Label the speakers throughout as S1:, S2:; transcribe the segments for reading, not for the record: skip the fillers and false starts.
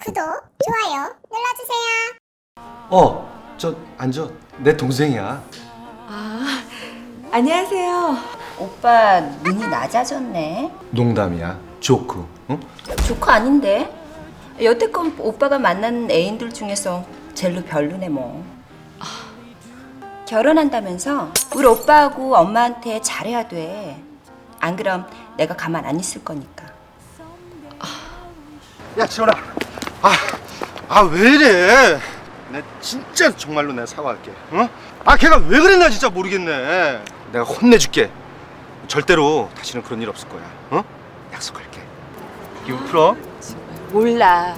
S1: 구독, 좋아요 눌러주세요.
S2: 앉아. 내 동생이야.
S3: 아, 안녕하세요.
S4: 오빠 눈이 낮아졌네.
S2: 농담이야. 조크. 응?
S4: 조카 아닌데? 여태껏 오빠가 만난 애인들 중에서 젤로 별로네 뭐. 결혼한다면서 우리 오빠하고 엄마한테 잘해야 돼. 안 그럼 내가 가만 안 있을 거니까.
S2: 야, 지원아. 왜 이래? 내 진짜 정말로 내가 사과할게. 어? 걔가 왜 그랬나 진짜 모르겠네. 내가 혼내줄게. 절대로 다시는 그런 일 없을 거야. 어? 약속할게. 기분 풀어.
S3: 몰라.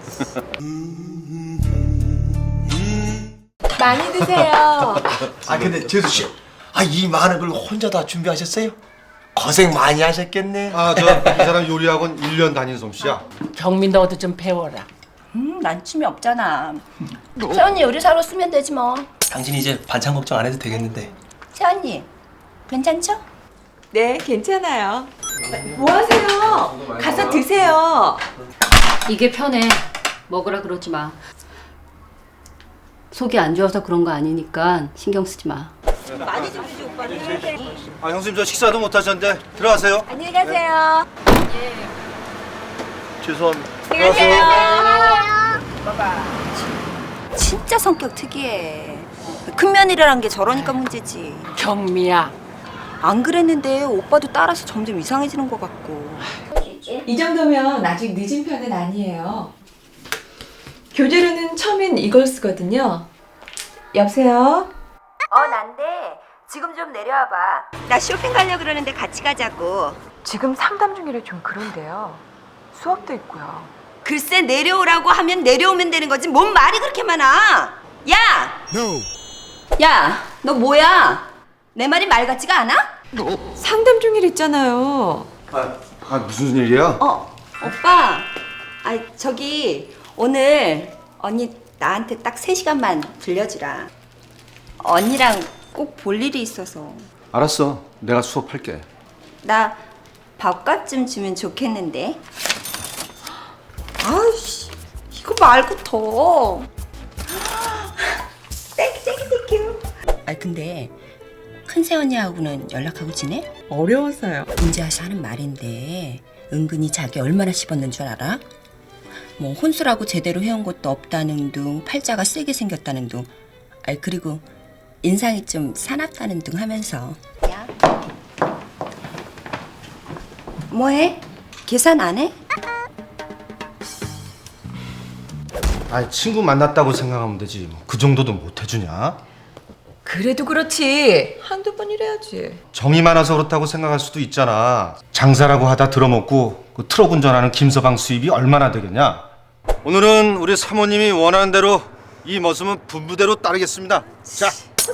S3: 많이 드세요.
S5: 근데 재수 씨, 이 많은 걸 혼자 다 준비하셨어요? 고생 많이 하셨겠네.
S2: 이 사람 요리학원 1년 다닌 솜씨야.
S6: 경민 너도 좀 배워라.
S4: 난 춤이 없잖아. 세언니 요리사로 쓰면 되지 뭐.
S5: 당신 이제 반찬 걱정 안 해도 되겠는데.
S4: 세언니 괜찮죠?
S3: 네, 괜찮아요. 뭐 하세요? 가서 드세요.
S7: 이게 편해. 먹으라 그러지 마. 속이 안 좋아서 그런 거 아니니까 신경 쓰지 마.
S2: 형수님 저 식사도 못 하셨는데 들어가세요.
S3: 안녕히 가세요.
S2: 죄송합니다.
S4: 진짜 성격 특이해. 큰 며느리란 게 저러니까 문제지.
S6: 경미야.
S4: 안 그랬는데 오빠도 따라서 점점 이상해지는 것 같고.
S3: 이 정도면 아직 늦은 편은 아니에요. 교재로는 처음엔 이걸 쓰거든요. 여보세요?
S4: 난데 지금 좀 내려와봐. 나 쇼핑 가려고 그러는데 같이 가자고.
S3: 지금 상담 중이라 좀 그런데요. 수업도 있고요.
S4: 글쎄 내려오라고 하면 내려오면 되는 거지 뭔 말이 그렇게 많아. 야, 너 뭐야? 내 말이 말 같지가 않아?
S3: 상담 중이랬잖아요.
S2: 무슨 일이야?
S4: 오빠. 저기 오늘 언니 나한테 딱 3시간만 빌려주라. 언니랑 꼭 볼 일이 있어서.
S2: 알았어. 내가 수업할게.
S4: 나 밥값 좀 주면 좋겠는데. 아이씨, 이거 말고 더. 땡큐. 근데 큰새 언니하고는 연락하고 지내?
S3: 어려워서요.
S4: 인지아씨 하는 말인데 은근히 자기 얼마나 씹었는 줄 알아? 뭐 혼수라고 제대로 해온 것도 없다는 둥, 팔자가 세게 생겼다는 둥, 그리고 인상이 좀 사납다는 둥 하면서. 야, 뭐해? 계산 안 해?
S2: 친구 만났다고 생각하면 되지. 그 정도도 못 해주냐?
S3: 그래도 그렇지. 한두 번 이래야지.
S2: 정이 많아서 그렇다고 생각할 수도 있잖아. 장사라고 하다 들어먹고 그 트럭 운전하는 김서방 수입이 얼마나 되겠냐? 오늘은 우리 사모님이 원하는 대로 이 머슴은 분부대로 따르겠습니다. 자.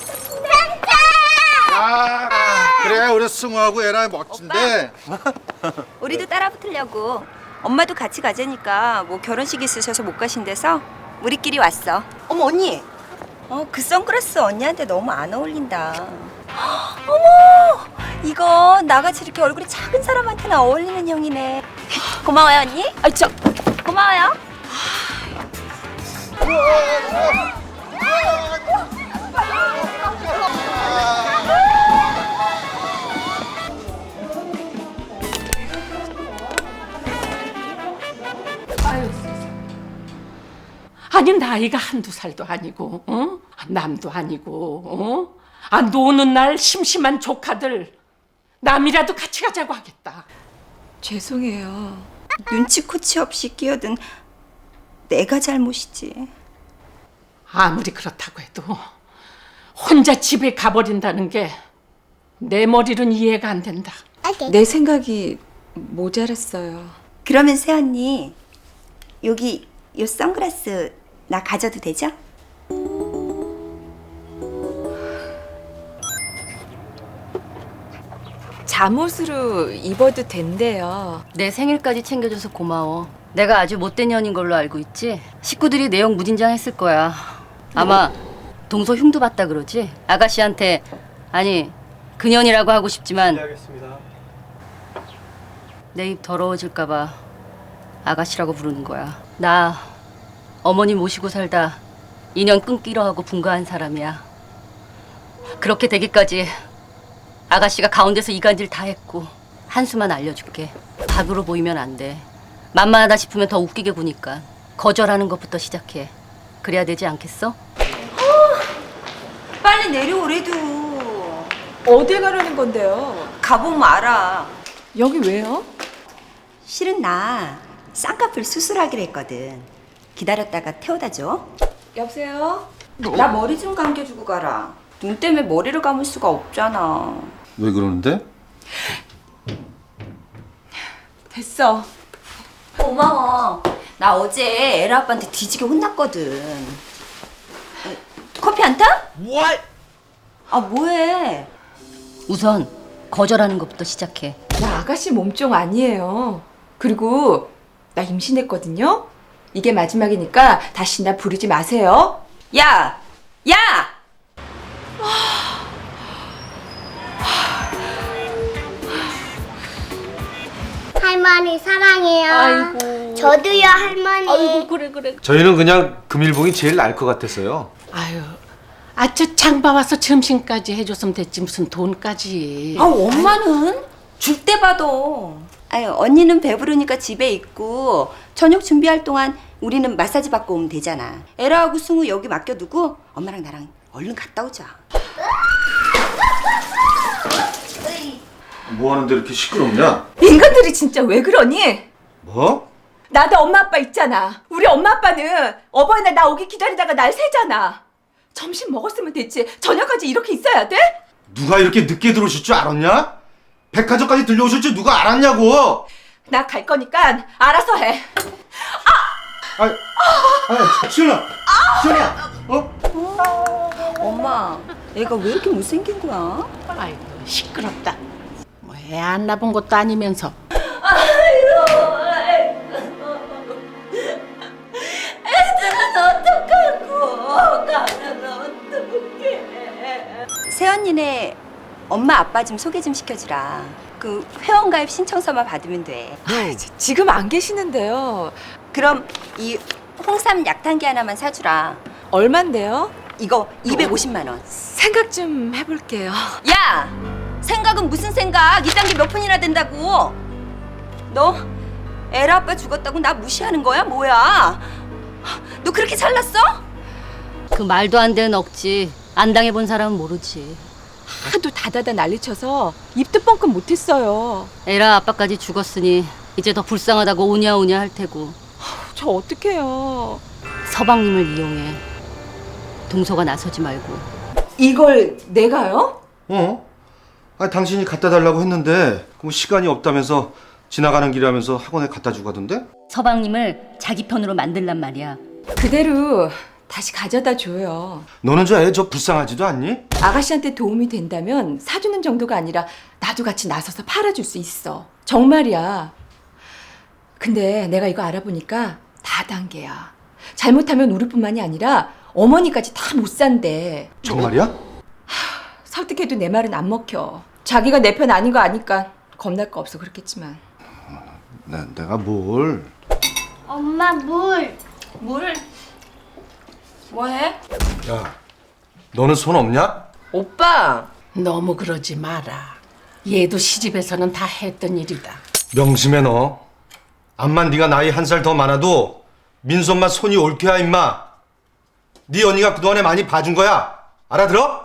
S2: 그래 우리 승우하고 애랑 멋진데.
S4: 우리도 따라 붙으려고. 엄마도 같이 가자니까 뭐 결혼식 있으셔서 못 가신대서 우리끼리 왔어. 어머 언니. 그 선글라스 언니한테 너무 안 어울린다. 어머, 이거 나같이 이렇게 얼굴이 작은 사람한테는 어울리는 형이네. 고마워요 언니. 고마워요.
S6: 아니 나이가 한두 살도 아니고, 어? 남도 아니고, 어? 노는 날 심심한 조카들 남이라도 같이 가자고 하겠다.
S3: 죄송해요.
S4: 눈치코치 없이 끼어든 내가 잘못이지.
S6: 아무리 그렇다고 해도 혼자 집에 가버린다는 게 내 머리로는 이해가 안 된다.
S3: 내 생각이 모자랐어요.
S4: 그러면 새언니 여기 요 선글라스 나 가져도 되죠?
S3: 잠옷으로 입어도 된대요.
S7: 내 생일까지 챙겨줘서 고마워. 내가 아주 못된 년인 걸로 알고 있지? 식구들이 내용 무진장했을 거야. 아마 동서 흉도 봤다 그러지? 아가씨한테 아니 그년이라고 하고 싶지만 내 입 더러워질까 봐 아가씨라고 부르는 거야. 나 어머니 모시고 살다 인연 끊기로 하고 분가한 사람이야. 그렇게 되기까지 아가씨가 가운데서 이간질 다 했고. 한수만 알려줄게. 밥으로 보이면 안 돼. 만만하다 싶으면 더 웃기게 구니까 거절하는 것부터 시작해. 그래야 되지 않겠어?
S4: 빨리 내려오래도.
S3: 어딜 가려는 건데요?
S4: 가보면 알아.
S3: 여기 왜요?
S4: 실은 나 쌍꺼풀 수술하기로 했거든. 기다렸다가 태워다 줘. 여보세요? 나 머리 좀 감겨주고 가라. 눈 때문에 머리를 감을 수가 없잖아.
S2: 왜 그러는데?
S3: 됐어.
S4: 고마워. 나 어제 에라 아빠한테 뒤지게 혼났거든. 커피 안 타?
S5: 뭘?
S4: 아 뭐해?
S7: 우선 거절하는 것부터 시작해.
S3: 나 아가씨 몸종 아니에요. 그리고 나 임신했거든요. 이게 마지막이니까 다시 나 부르지 마세요.
S4: 야! 야!
S1: 할머니 사랑해요.
S7: 아이고.
S1: 저도요 할머니.
S7: 아이고 그래.
S2: 저희는 그냥 금일봉이 제일 나을 것 같았어요.
S6: 아유, 저 장봐 와서 점심까지 해줬으면 됐지 무슨 돈까지.
S4: 아 엄마는 줄 때 봐도. 아유 언니는 배부르니까 집에 있고 저녁 준비할 동안 우리는 마사지 받고 오면 되잖아. 에라하고 승우 여기 맡겨두고 엄마랑 나랑 얼른 갔다 오자.
S2: 뭐 하는데 이렇게 시끄럽냐?
S3: 인간들이 진짜 왜 그러니?
S2: 뭐?
S3: 나도 엄마 아빠 있잖아. 우리 엄마 아빠는 어버이날 나 오기 기다리다가 날 새잖아. 점심 먹었으면 됐지. 저녁까지 이렇게 있어야 돼?
S2: 누가 이렇게 늦게 들어오실 줄 알았냐? 백화점까지 들려오실 줄 누가 알았냐고!
S3: 나 갈 거니까 알아서 해.
S2: 시연아! 시연아!
S4: 엄마 애가 왜 이렇게 못생긴 거야?
S6: 아이고 시끄럽다. 뭐 애 안 낳은 것도 아니면서.
S4: 새언니네 엄마 아빠 좀 소개 좀 시켜주라. 그 회원가입 신청서만 받으면 돼.
S3: 지금 안 계시는데요.
S4: 그럼 이 홍삼 약탕기 하나만 사주라.
S3: 얼만데요?
S4: 이거 250만 원.
S3: 생각 좀 해볼게요.
S4: 야! 생각은 무슨 생각? 이 단계 몇 푼이나 된다고? 너 에라 아빠 죽었다고 나 무시하는 거야? 뭐야? 너 그렇게 잘났어?
S7: 그 말도 안 되는 억지 안 당해본 사람은 모르지.
S3: 하도 다다다 난리쳐서 입도 뻥끗 못했어요.
S7: 에라 아빠까지 죽었으니 이제 더 불쌍하다고 오냐오냐 할 테고.
S3: 저 어떡해요.
S7: 서방님을 이용해. 동서가 나서지 말고.
S3: 이걸 내가요?
S2: 당신이 갖다 달라고 했는데 그럼 시간이 없다면서 지나가는 길에 하면서 학원에 갖다 주고 가던데?
S7: 서방님을 자기 편으로 만들란 말이야.
S3: 그대로 다시 가져다 줘요.
S2: 너는 저 애 저 불쌍하지도 않니?
S3: 아가씨한테 도움이 된다면 사주는 정도가 아니라 나도 같이 나서서 팔아줄 수 있어. 정말이야. 근데 내가 이거 알아보니까 다 단계야. 잘못하면 우리뿐만이 아니라 어머니까지 다 못 산대.
S2: 정말이야?
S3: 설득해도 내 말은 안 먹혀. 자기가 내 편 아닌 거 아니까 겁날 거 없어 그렇겠지만.
S2: 내가 뭘?
S1: 엄마 물.
S4: 뭘? 뭐해?
S2: 야, 너는 손 없냐?
S6: 오빠 너무 그러지 마라. 얘도 시집에서는 다 했던 일이다.
S2: 명심해 너. 암만 네가 나이 한 살 더 많아도 민수 엄마 손이 옳게야 임마. 네 언니가 그동안에 많이 봐준 거야. 알아들어?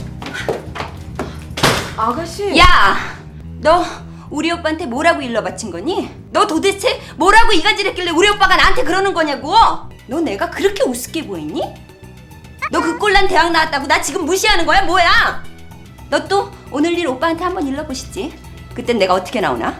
S3: 아가씨.
S4: 야! 너 우리 오빠한테 뭐라고 일러 바친 거니? 너 도대체 뭐라고 이간질했길래 우리 오빠가 나한테 그러는 거냐고? 너 내가 그렇게 우습게 보이니? 너 그 꼴난 대학 나왔다고 나 지금 무시하는 거야? 뭐야? 너 또 오늘 일 오빠한테 한번 일러보시지. 그땐 내가 어떻게 나오나?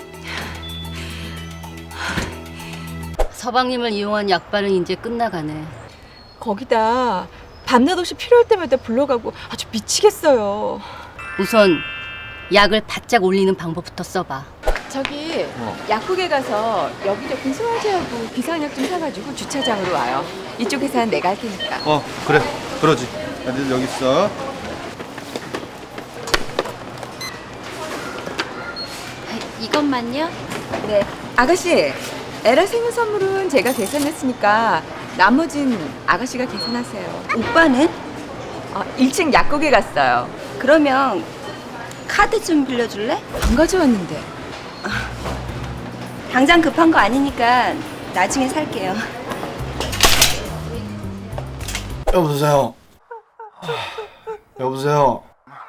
S7: 서방님을 이용한 약발은 이제 끝나가네.
S3: 거기다 밤낮 없이 필요할 때마다 불러가고 아주 미치겠어요.
S7: 우선 약을 바짝 올리는 방법부터 써봐.
S3: 저기 약국에 가서 여기저기 소화제하고 비상약 좀 사가지고 주차장으로 와요. 이쪽에서는 내가 할 테니까.
S2: 그래. 그러지. 애들 여기 있어.
S4: 이것만요?
S3: 네. 아가씨, 에라 생일 선물은 제가 계산했으니까 나머진 아가씨가 계산하세요.
S4: 오빠는?
S3: 1층 약국에 갔어요.
S4: 그러면 카드 좀 빌려줄래?
S3: 안 가져왔는데.
S4: 당장 급한 거 아니니까 나중에 살게요.
S5: 여보세요. 여보세요.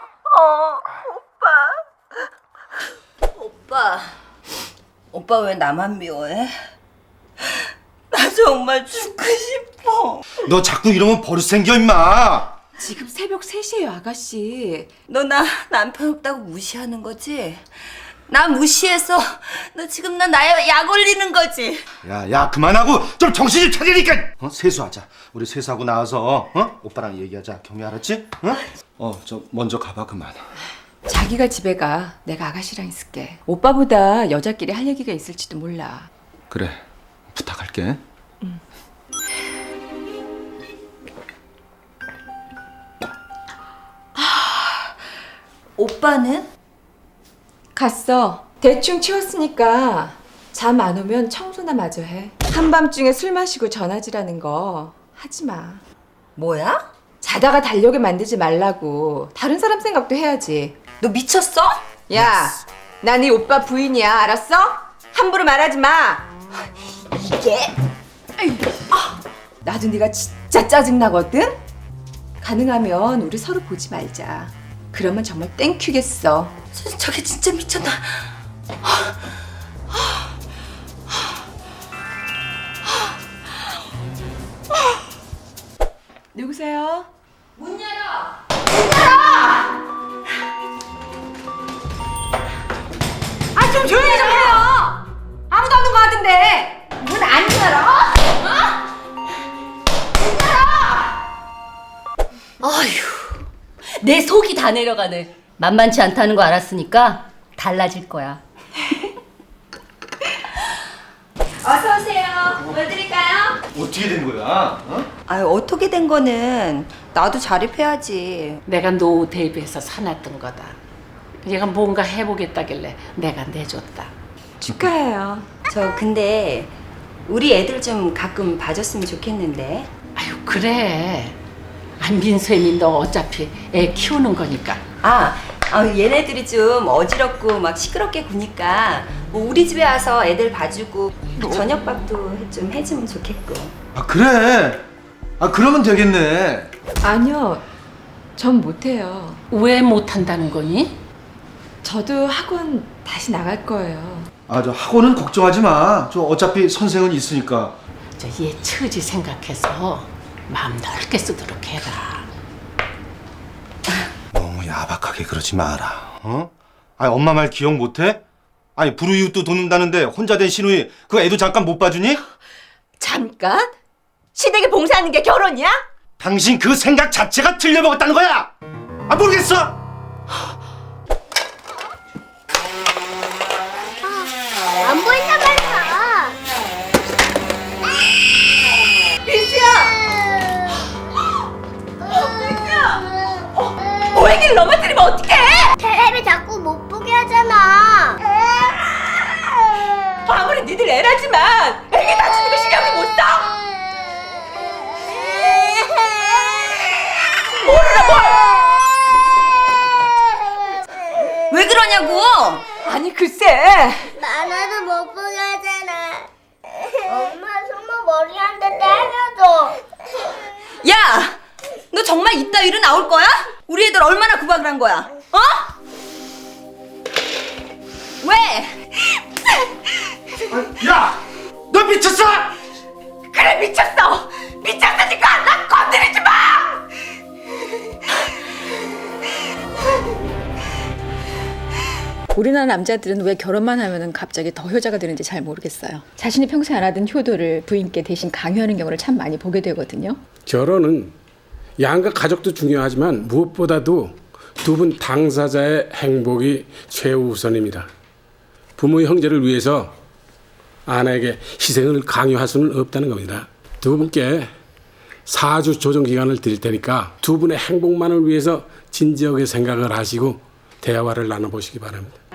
S4: 오빠 왜 나만 미워해? 나 정말 죽고 싶어.
S2: 너 자꾸 이러면 버릇 생겨 임마.
S3: 지금 새벽 3시에요, 아가씨.
S4: 너 나 남편 없다고 무시하는 거지? 나 무시해서 너 지금 나의 약 올리는 거지?
S2: 야 그만하고 좀 정신 좀 차리니까. 세수하자. 우리 세수하고 나와서 오빠랑 얘기하자. 경미 알았지? 저 먼저 가봐 그만.
S3: 자기가 집에 가. 내가 아가씨랑 있을게. 오빠보다 여자끼리 할 얘기가 있을지도 몰라.
S2: 그래 부탁할게.
S4: 오빠는?
S3: 갔어. 대충 치웠으니까 잠 안 오면 청소나 마저 해. 한밤중에 술 마시고 전화질하는 거 하지 마.
S4: 뭐야?
S3: 자다가 달려게 만들지 말라고. 다른 사람 생각도 해야지.
S4: 너 미쳤어?
S3: 야, 나 네 오빠 부인이야. 알았어? 함부로 말하지 마.
S4: 이게?
S3: 나도 네가 진짜 짜증나거든? 가능하면 우리 서로 보지 말자. 그러면 정말 땡큐겠어.
S4: 저게 진짜 미쳤나?
S3: 누구세요?
S4: 아, 좀 조용히 좀 해요! 아무도 없는 것 같은데! 문 안 열어?
S7: 아휴, 내 속이 다 내려가네. 만만치 않다는 거 알았으니까 달라질 거야.
S4: 어서 오세요. 뭐 드릴까요?
S2: 어떻게 된 거야?
S4: 아유, 어떻게 된 거는 나도 자립해야지.
S6: 내가 노후 대비해서 사놨던 거다. 얘가 뭔가 해보겠다길래 내가 내줬다.
S3: 축하해요.
S4: 저 근데 우리 애들 좀 가끔 봐줬으면 좋겠는데.
S6: 아유 그래. 민수애미 너 어차피 애 키우는 거니까.
S4: 얘네들이 좀 어지럽고 막 시끄럽게 구니까 뭐 우리 집에 와서 애들 봐주고 저녁밥도 좀 해주면 좋겠고.
S2: 그래. 그러면 되겠네.
S3: 아니요, 전 못해요.
S6: 왜 못한다는 거니?
S3: 저도 학원 다시 나갈 거예요.
S2: 저 학원은 걱정하지 마. 저 어차피 선생은 있으니까.
S6: 저 얘 처지 생각해서 마음 넓게 쓰도록 해라.
S2: 너무 야박하게 그러지 마라. 엄마 말 기억 못해? 불우이웃도 돕는다는데 혼자 된 시누이 그 애도 잠깐 못 봐주니?
S3: 잠깐? 시댁에 봉사하는 게 결혼이야?
S2: 당신 그 생각 자체가 틀려먹었다는 거야. 모르겠어.
S1: 안 보인단 말이야.
S3: 보행기를 넘어뜨리면 어떡해?
S1: 테레비 자꾸 못 보게 하잖아.
S3: 아무리 니들 애라지만 애기 다치는 거 신경을 못 써?
S4: 왜 그러냐고!
S3: 아니 글쎄.
S1: 나나도 못 보게 하잖아. 엄마 손목 머리 한 대 때려줘.
S4: 야! 너 정말 이따 일은 나올 거야? 우리 애들 얼마나 구박을 한 거야? 왜?
S2: 야, 너 미쳤어?
S3: 그래 미쳤어. 미쳤으니까 나 건드리지 마.
S8: 우리나라 남자들은 왜 결혼만 하면은 갑자기 더 효자가 되는지 잘 모르겠어요. 자신이 평소에 안 하던 효도를 부인께 대신 강요하는 경우를 참 많이 보게 되거든요.
S9: 결혼은 양가 가족도 중요하지만 무엇보다도 두 분 당사자의 행복이 최우선입니다. 부모 형제를 위해서 아내에게 희생을 강요할 수는 없다는 겁니다. 두 분께 4주 조정 기간을 드릴 테니까 두 분의 행복만을 위해서 진지하게 생각을 하시고 대화를 나눠보시기 바랍니다.